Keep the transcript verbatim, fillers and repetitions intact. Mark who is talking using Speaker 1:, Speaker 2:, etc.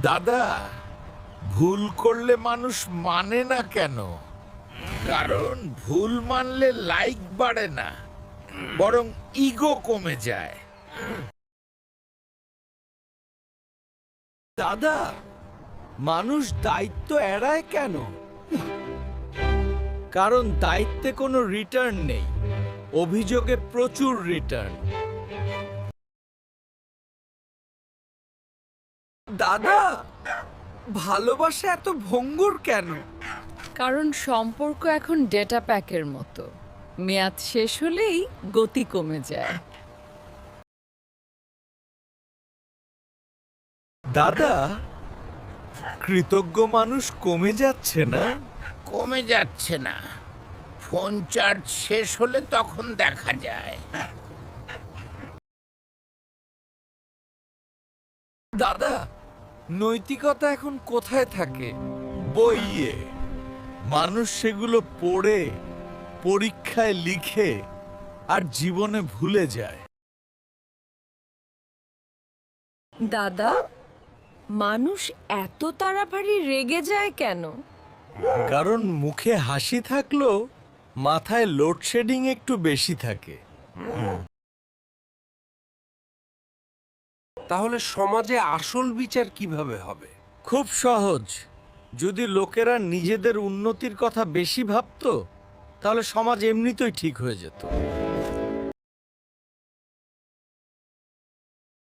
Speaker 1: দাদা, ভুল করলে মানুষ মানে না কেন? কারণ ভুল মানলে লাইক বাড়ে না, বরং ইগো কমে যায়।
Speaker 2: দাদা, মানুষ দায়িত্ব এড়ায় কেন? কারণ দায়িত্বে কোনো রিটার্ন নেই, অভিযোগে প্রচুর রিটার্ন। দাদা, ভালোবাসা এত ভঙ্গুর কেন?
Speaker 3: কারণ সম্পর্ক এখন ডেটা প্যাকের মতো, মেয়াদ শেষ হলেই গতি কমে যায়।
Speaker 2: দাদা, কৃতজ্ঞ মানুষ কমে যাচ্ছে না?
Speaker 1: কমে যাচ্ছে না, ফোন চার্জ শেষ হলে তখন দেখা যায়।
Speaker 2: দাদা, নৈতিকতা এখন কোথায় থাকে?
Speaker 1: বইয়ে মানুষ সেগুলো পড়ে, পরীক্ষায় লিখে আর জীবনে ভুলে যায়।
Speaker 3: দাদা, মানুষ এত তাড়াতাড়ি রেগে যায় কেন?
Speaker 2: কারণ মুখে হাসি থাকলেও মাথায় লোডশেডিং একটু বেশি থাকে।
Speaker 4: তাহলে সমাজে আসল বিচার কিভাবে হবে?
Speaker 2: খুব সহজ। যদি লোকেরা নিজেদের উন্নতির কথা বেশি ভাবতো, তাহলে সমাজ এমনিতেই ঠিক হয়ে যেত।